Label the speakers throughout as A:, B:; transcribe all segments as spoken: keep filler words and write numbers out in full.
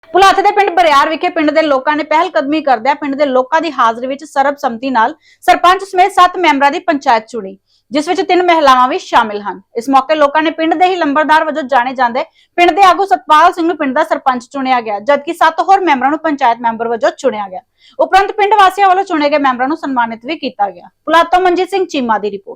A: ਭੁਲੱਥ ਦੇ ਪਿੰਡ ਬਰਿਆਰ ਵਿਖੇ ਪਿੰਡ ਦੇ ਲੋਕਾਂ ਨੇ ਪਹਿਲ ਕਦਮੀ ਕਰਦਿਆਂ ਪਿੰਡ ਦੇ ਲੋਕਾਂ ਦੀ ਹਾਜ਼ਰੀ ਵਿੱਚ ਸਰਬਸੰਮਤੀ ਨਾਲ ਸਰਪੰਚ ਸਮੇਤ ਸੱਤ ਮੈਂਬਰਾਂ ਦੀ ਪੰਚਾਇਤ ਚੁਣੀ, ਜਿਸ ਵਿੱਚ ਤਿੰਨ ਮਹਿਲਾਵਾਂ ਵੀ ਸ਼ਾਮਿਲ ਹਨ। ਇਸ ਮੌਕੇ ਲੋਕਾਂ ਨੇ ਪਿੰਡ ਦੇ ਹੀ ਲੰਬੜਦਾਰ ਵਜੋਂ ਜਾਣੇ ਜਾਂਦੇ ਪਿੰਡ ਦੇ ਆਗੂ ਸਤਪਾਲ ਸਿੰਘ ਨੂੰ ਪਿੰਡ ਦਾ ਸਰਪੰਚ ਚੁਣਿਆ ਗਿਆ, ਜਦਕਿ ਸੱਤ ਹੋਰ ਮੈਂਬਰਾਂ ਨੂੰ ਪੰਚਾਇਤ ਮੈਂਬਰ ਵਜੋਂ ਚੁਣਿਆ ਗਿਆ। ਉਪਰੰਤ ਪਿੰਡ ਵਾਸੀਆਂ ਵੱਲੋਂ ਚੁਣੇ ਗਏ ਮੈਂਬਰਾਂ ਨੂੰ ਸਨਮਾਨਿਤ ਵੀ ਕੀਤਾ ਗਿਆ। ਭੁਲੱਥ ਤੋਂ ਮਨਜੀਤ ਸਿੰਘ ਚੀਮਾ ਦੀ ਰਿਪੋਰਟ।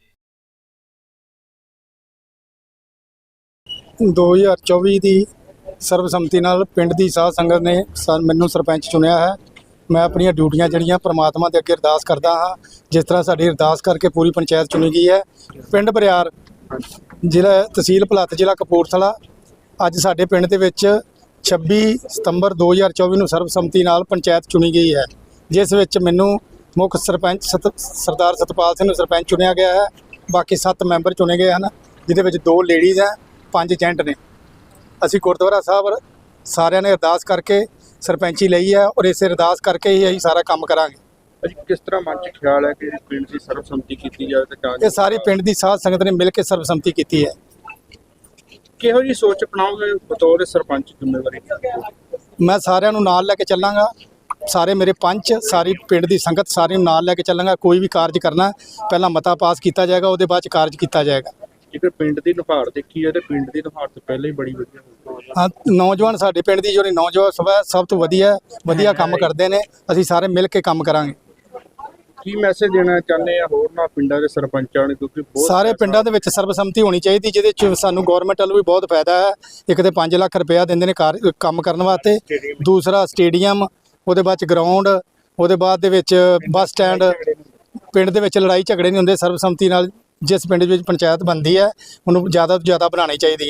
B: ਦੋ ਹਜ਼ਾਰ ਚੌਵੀ ਦੀ ਸਰਬਸੰਮਤੀ ਨਾਲ ਪਿੰਡ ਦੀ ਸਾਧ ਸੰਗਤ ਨੇ ਮੈਨੂੰ ਸਰਪੰਚ ਚੁਣਿਆ ਹੈ। ਮੈਂ ਆਪਣੀਆਂ ਡਿਊਟੀਆਂ ਜਿਹੜੀਆਂ ਪ੍ਰਮਾਤਮਾ ਦੇ ਅੱਗੇ ਅਰਦਾਸ ਕਰਦਾ ਹਾਂ, ਜਿਸ ਤਰ੍ਹਾਂ ਸਾਡੀ ਅਰਦਾਸ ਕਰਕੇ ਪੂਰੀ ਪੰਚਾਇਤ ਚੁਣੀ ਗਈ ਹੈ। ਪਿੰਡ ਬਰਿਆਰ, ਜ਼ਿਲ੍ਹਾ ਤਹਿਸੀਲ ਭੁਲੱਥ, ਜ਼ਿਲ੍ਹਾ ਕਪੂਰਥਲਾ। ਅੱਜ ਸਾਡੇ ਪਿੰਡ ਦੇ ਵਿੱਚ ਛੱਬੀ ਸਤੰਬਰ ਦੋ ਹਜ਼ਾਰ ਚੌਵੀ ਨੂੰ ਸਰਬਸੰਮਤੀ ਨਾਲ ਪੰਚਾਇਤ ਚੁਣੀ ਗਈ ਹੈ, ਜਿਸ ਵਿੱਚ ਮੈਨੂੰ ਮੁੱਖ ਸਰਪੰਚ ਸਤ ਸਰਦਾਰ ਸਤਪਾਲ ਸਿੰਘ ਨੂੰ ਸਰਪੰਚ ਚੁਣਿਆ ਗਿਆ ਹੈ। ਬਾਕੀ ਸੱਤ ਮੈਂਬਰ ਚੁਣੇ ਗਏ ਹਨ, ਜਿਹਦੇ ਵਿੱਚ ਦੋ ਲੇਡੀਜ਼ ਹੈ, ਪੰਜ ਜੈਂਟ ਨੇ। ਅਸੀਂ ਗੁਰਦੁਆਰਾ ਸਾਹਿਬ ਸਾਰਿਆਂ ਨੇ ਅਰਦਾਸ ਕਰਕੇ ਸਰਪੰਚੀ ਲਈ ਹੈ, ਔਰ ਇਸੇ ਅਰਦਾਸ ਕਰਕੇ ਹੀ ਅਸੀਂ ਸਾਰਾ ਕੰਮ ਕਰਾਂਗੇ।
C: ਅਜੀ ਕਿਸ ਤਰ੍ਹਾਂ ਮਨ 'ਚ ਖਿਆਲ ਹੈ ਕਿ ਪਿੰਡ ਦੀ ਸਰਬਸੰਮਤੀ ਕੀਤੀ ਜਾਵੇ ਤੇ ਤਾਂ
B: ਇਹ ਸਾਰੀ ਪਿੰਡ ਦੀ ਸਾਧ ਸੰਗਤ ਨੇ ਮਿਲ ਕੇ ਸਰਬਸੰਮਤੀ ਕੀਤੀ ਹੈ।
C: ਕਿਹੋ ਜਿਹੀ ਸੋਚ ਅਪਣਾਓਗੇ ਬਤੌਰ ਸਰਪੰਚ ਜ਼ਿੰਮੇਵਾਰੀ?
B: ਮੈਂ ਸਾਰਿਆਂ ਨੂੰ ਨਾਲ ਲੈ ਕੇ ਚੱਲਾਂਗਾ, ਸਾਰੇ ਮੇਰੇ ਪੰਚ, ਸਾਰੀ ਪਿੰਡ ਦੀ ਸੰਗਤ ਸਾਰੀ ਨੂੰ ਨਾਲ ਲੈ ਕੇ ਚੱਲਾਂਗਾ। ਕੋਈ ਵੀ ਕਾਰਜ ਕਰਨਾ ਪਹਿਲਾਂ ਮਤਾ ਪਾਸ ਕੀਤਾ ਜਾਏਗਾ, ਉਹਦੇ ਬਾਅਦ 'ਚ ਕਾਰਜ ਕੀਤਾ ਜਾਏਗਾ।
C: ਜੇਕਰ ਪਿੰਡ ਦੀ ਨੁਹਾਰ ਦੇਖੀ ਹੈ ਤੇ ਪਿੰਡ ਦੀ ਨੁਹਾਰ ਤੋਂ ਪਹਿਲਾਂ ਹੀ ਬੜੀ ਵਧੀਆ ਹੋਈ।
B: ਹਾਂ, ਨੌਜਵਾਨ ਸਾਡੇ ਪਿੰਡ ਦੀ ਜਿਹੜੀ ਨੌਜਵਾਨ ਸਭਾ ਸਭ ਤੋਂ ਵਧੀਆ ਵਧੀਆ ਕੰਮ ਕਰਦੇ ਨੇ। ਅਸੀਂ ਸਾਰੇ ਮਿਲ ਕੇ ਕੰਮ ਕਰਾਂਗੇ।
C: ਕੀ ਮੈਸੇਜ ਦੇਣਾ ਚਾਹੁੰਦੇ ਆ ਹੋਰ ਨਾ ਪਿੰਡਾਂ ਦੇ ਸਰਪੰਚਾਂ ਨੂੰ, ਕਿਉਂਕਿ ਬਹੁਤ
B: ਸਾਰੇ ਪਿੰਡਾਂ ਦੇ ਵਿੱਚ ਸਰਬਸੰਮਤੀ ਹੋਣੀ ਚਾਹੀਦੀ, ਜਿਹਦੇ 'ਚ ਸਾਨੂੰ ਗੌਰਮੈਂਟ ਵੱਲੋਂ ਵੀ ਬਹੁਤ ਫਾਇਦਾ ਹੈ। ਇੱਕ ਤੇ ਪੰਜ ਲੱਖ ਰੁਪਇਆ ਦਿੰਦੇ ਨੇ ਕਾਰ ਕੰਮ ਕਰਨ ਵਾਸਤੇ, ਦੂਸਰਾ ਸਟੇਡੀਅਮ, ਉਹਦੇ ਬਾਅਦ 'ਚ ਗਰਾਊਂਡ, ਉਹਦੇ ਬਾਅਦ ਦੇ ਵਿੱਚ ਬੱਸ ਸਟੈਂਡ। ਪਿੰਡ ਦੇ ਵਿੱਚ ਲੜਾਈ ਝਗੜੇ ਨਹੀਂ ਹੁੰਦੇ ਸਰਬਸੰਮਤੀ ਨਾਲ। ਜਿਸ ਪਿੰਡ ਵਿੱਚ ਪੰਚਾਇਤ ਬਣਦੀ ਹੈ ਉਹਨੂੰ ਜ਼ਿਆਦਾ ਤੋਂ ਜ਼ਿਆਦਾ ਬਣਾਉਣੀ ਚਾਹੀਦੀ ਹੈ।